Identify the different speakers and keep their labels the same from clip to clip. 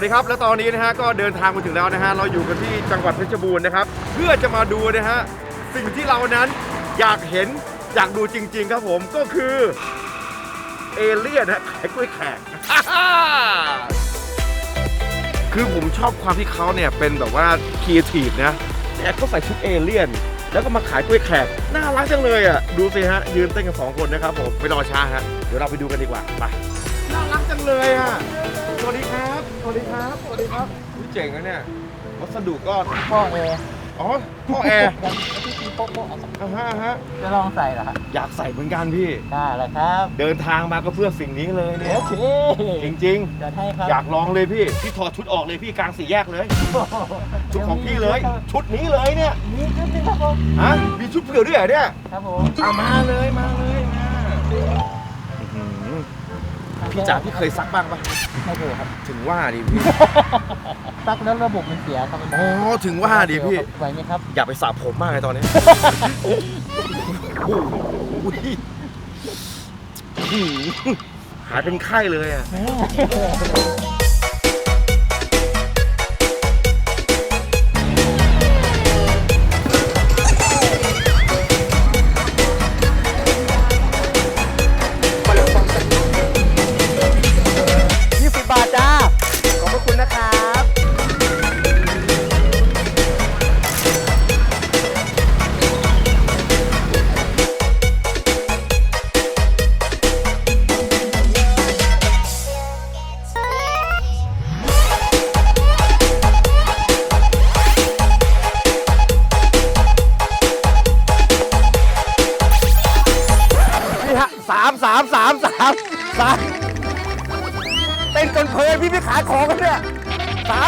Speaker 1: ดีครับและตอนนี้นะฮะก็เดินทางมาถึงแล้วนะฮะเราอยู่กันที่จังหวัดเพชรบูรณ์นะครับเพื่อจะมาดูนะฮะสิ่งที่เรานั้นอยากเห็นอยากดูจริงๆครับผมก็คือเอเลี่ยนฮะขายกล้วยแขก คือผมชอบความที่เขาเนี่ยเป็นแบบว่าครีเอทีฟนะแต่เขาใส่ชุดเอเลี่ยนแล้วก็มาขายกล้วยแขกน่ารักจังเลยอ่ะดูสิฮะยืนเต้นกัน2คนนะครับผมไปรอช้าฮะเดี๋ยวเราไปดูกันดีกว่าไปน่ารักจังเลยอ่ะสวัสดีครับสวัสดีครับสวัสดีครับเจ๋งนะเนี่ยวัสดุก็
Speaker 2: พ่อแอร์
Speaker 1: อ๋อท่อแอร์
Speaker 2: ที่ตีโป๊ะโป๊ะเอาสัก
Speaker 1: ฮะ
Speaker 2: จะลองใส่เหรอครับ
Speaker 1: อยากใส่เหมือนกันพี่
Speaker 2: ได้เลยครับ
Speaker 1: เดินทางมาก็เพื่อสิ่งนี้เลยเนี่ย
Speaker 2: โอเค
Speaker 1: จริง
Speaker 2: จะให้ครับ
Speaker 1: ๆอยากลองเลยพี่ถอดชุดออกเลยพี่กลางสี่แยกเลยชุดของพี่เลย ชุดนี้เลยเนี่ย
Speaker 2: มีชุดนึงครับผม
Speaker 1: ฮะมีชุดเผื่อด้วยเหรอเนี่ย
Speaker 2: ครับผม
Speaker 1: เอามาเลยมาพี่จ๋าพี่เคยซักบ้างปะ
Speaker 2: ไม่เคยครับ
Speaker 1: ถึงว่าดิพี่
Speaker 2: ซักแล้วระบบมันเสียครับ
Speaker 1: อ๋อถึงว่าดิพี่
Speaker 2: ไหวไหมครับ
Speaker 1: อย่าไปสระผมมากเลยตอนนี้โอ้โหหายเป็นไข้เลยอ่ะ20 บาทจ้าขอบพระคุณนะครับนี่ฮะสามเต้นจนเพลินพี่ขายของกันเนี่ยสาม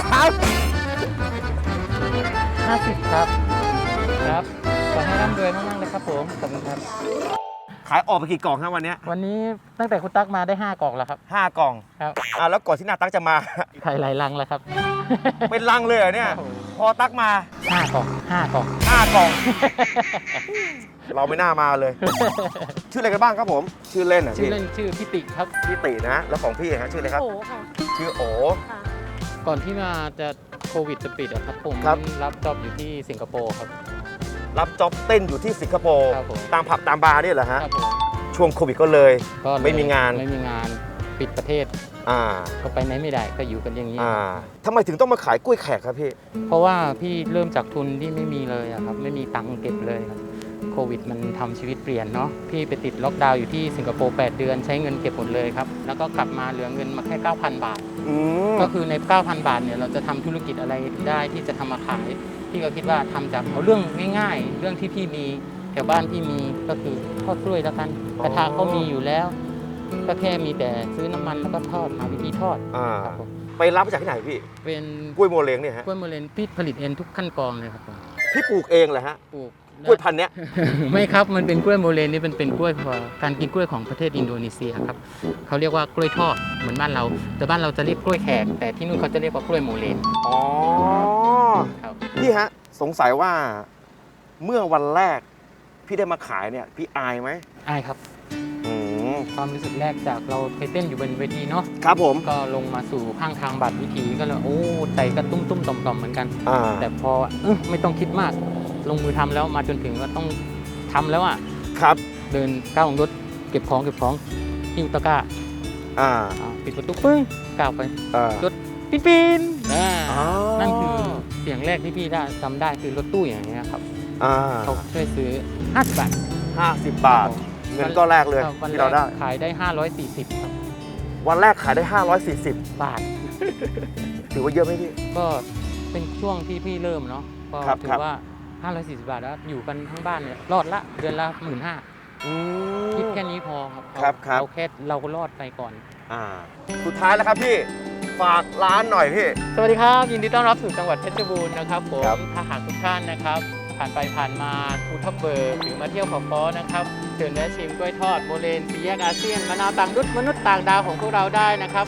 Speaker 2: 50ครับครับขอให้ร่ำรวยมากๆเลยครับผมขอบคุณครับ
Speaker 1: ขายออกไปกี่กล่องครับวันนี้
Speaker 2: วันนี้ตั้งแต่คุณตั๊กมาได้5กล่องแล้วครับ
Speaker 1: 5 กล่อง
Speaker 2: ครับ
Speaker 1: แล้วก่อนที่นาตั๊กจะมา
Speaker 2: ไข่หลายลังแล้วครับ
Speaker 1: เป็นลังเลยเหรอเนี่ย พอตั๊กมา
Speaker 2: 5 กล่อง 5 กล่อง
Speaker 1: 5 กล่อง เราไม่น่ามาเลย ชื่ออะไรกันบ้างครับผม ชื่อเล่นอ่ะ
Speaker 2: ชื่อ
Speaker 1: พี่
Speaker 2: เล่นชื่อพี่ติครับ
Speaker 1: พี่ตินะ แล้วของพี่ฮะชื่ออะไรครับ
Speaker 3: โอ้ค่ะ
Speaker 1: ชื่อโอ
Speaker 3: ค่ะ
Speaker 2: ก่อนที่มาจะโควิดจะปิดอะครับผม
Speaker 1: ครับ
Speaker 2: รับจ็อบอยู่ที่สิงคโปร์ครับ
Speaker 1: รับจ็อบเต้นอยู่ที่สิงคโปร์
Speaker 2: ครับผม
Speaker 1: ตามผับตามบาร์เนี่ยเหรอฮะ
Speaker 2: ครับผม
Speaker 1: ช่วงโควิดก็เลย
Speaker 2: ก็เลย
Speaker 1: ไม่มีงาน
Speaker 2: ไม่มีงานปิดประเทศ
Speaker 1: อ่า
Speaker 2: ก็ไปไหนไม่ได้ก็อยู่กันอย่างนี้
Speaker 1: ทำไมถึงต้องมาขายกล้วยแขกครับพี่
Speaker 2: เพราะว่าพี่เริ่มจากทุนที่ไม่มีเลยอะครับไม่มีตังค์เก็บเลยครับโควิดมันทำชีวิตเปลี่ยนเนาะพี่ไปติดล็อกดาวน์อยู่ที่สิงคโปร์8 เดือนใช้เงินเก็บหมดเลยครับแล้วก็กลับมาเหลือเงินมาแค่ 9,000 บาท
Speaker 1: อืม
Speaker 2: ก็คือใน 9,000 บาทเนี่ยเราจะทำธุรกิจอะไรได้ที่จะทำมาขาย พี่ก็คิดว่าทำจากเอาเรื่องง่ายๆ เรื่องที่พี่มีแถวบ้านพี่มีก็คือทอดกล้วยแล้วกันกระทะเขามีอยู่แล้ว ก็แค่มีแต่ซื้อน้ำมันแล้วก็ทอดหาวิธีทอด ครับผม
Speaker 1: ไปรับมาจากที่ไหนพี่
Speaker 2: เป็น
Speaker 1: กล้วยโมเลงเนี่ยฮะ
Speaker 2: กล้วยโมเลนพี่ผลิตเองทุกขั้นกรองเลยครับผม
Speaker 1: พี่ปลูกเองเหรอฮะ
Speaker 2: ปลูก
Speaker 1: กล้วยพันธุ์เนี้ย
Speaker 2: ไม่ครับมันเป็นกล้วยโมเลนนี่เป็นกล้วยพอการกินกล้วยของประเทศอินโดนีเซียครับเขาเรียกว่ากล้วยทอดเหมือนบ้านเรา แต่บ้านเราจะเรียกกล้วยแขกแต่ที่นู่นเขาจะเรียกว่ากล้วยโมเลน
Speaker 1: อ๋อ
Speaker 2: ครับ
Speaker 1: พี่ฮะสงสัยว่าเมื่อวันแรกพี่ได้มาขายเนี่ยพี่อายไหม
Speaker 2: ใช่ครับ
Speaker 1: อืม
Speaker 2: ความรู้สึกแรกจากเราเคยเต้นอยู่บนเวทีเนาะ
Speaker 1: ครับผม
Speaker 2: ก็ลงมาสู่ข้างทางบัตรวิธีก็เลยโอ้ใจก็ตุ้มๆต่อมๆเหมือนกัน แต่พอไม่ต้องคิดมากลงมือทำแล้วมาจนถึงก็ต้องทำแล้วอ่ะ
Speaker 1: ครับ
Speaker 2: เดินก้าวลงรถเก็บของหิ้วตะกร้า
Speaker 1: อ่า
Speaker 2: ปิดประตูปึ้งก้าวไป
Speaker 1: อ่าร
Speaker 2: ถปีน
Speaker 1: อ๋อ
Speaker 2: นั่นคือเสียงแรกที่พี่ได้จำได้คือรถตู้อย่างเงี้ยครับ
Speaker 1: อ่า
Speaker 2: เขาช่วยซื้อ50 บาท
Speaker 1: 50 บาท เงินก็แรกเลย
Speaker 2: วัน
Speaker 1: ที่
Speaker 2: แร
Speaker 1: เราได้
Speaker 2: กขายได้540ครับ
Speaker 1: วันแรกขายได้ 540
Speaker 2: บาท
Speaker 1: ถือว่าเยอะไหมพี่
Speaker 2: ก็เป็นช่วงที่พี่เริ่มเนาะก็
Speaker 1: ครับ
Speaker 2: ถื
Speaker 1: ครั
Speaker 2: อบ ว่า540 บาทแล้วอยู่กันทั้งบ้านเนี่ยรอดละเดือนละ 15,000
Speaker 1: อื
Speaker 2: คิด
Speaker 1: ม
Speaker 2: แค่นี้พอครับ
Speaker 1: ครับ
Speaker 2: เราแค่เราก็รอดไปก่อน
Speaker 1: สุดท้ายแล้วครับพี่ ฝากร้านหน่อยพี่
Speaker 2: สวัสดีครับ ยินดีต้อนรับสู่จังหวัดเพชรบูรณ์นะครับผม
Speaker 1: ครับ
Speaker 2: ถ้าหากทุกท่านนะครับผ่านไปผ่านมาภูทับเบิกหรือมาเที่ยวเขาค้อนะครับเชิญแวะชิมกล้วยทอดโบเลนสี่แยกอาเซียนมะนาวต่างดุษมนุษย์ต่างดาวของพวกเราได้นะครับ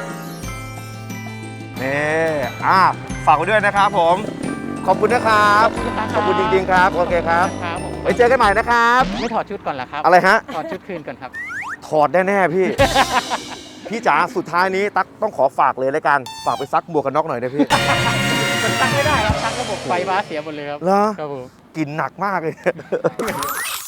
Speaker 1: นี่ฝากไว้ด้วยนะครับผม ขอบคุณนะครับ ขอบคุณจริงๆครับ โอเคครับ
Speaker 2: ครับผม
Speaker 1: ไว้เจอกันใหม่นะครับ
Speaker 2: ไม่ถอดชุดก่อนเหรอครับ
Speaker 1: อะไรฮะ
Speaker 2: ถอดชุดคืนก่อนครับ
Speaker 1: ถอดแน่ๆพี่พี่จ๋าสุดท้ายนี้ตั๊กต้องขอฝากเลยแล้วกันฝากไปซักหมวกกันน็อกหน่อยนะพี่
Speaker 2: มันตั้งไม่ได้ครับตั้งระบบไฟฟ้าเสียหมดเลยครับ
Speaker 1: เหรอ
Speaker 2: ครับผม
Speaker 1: กลิ่นหนักมากเลย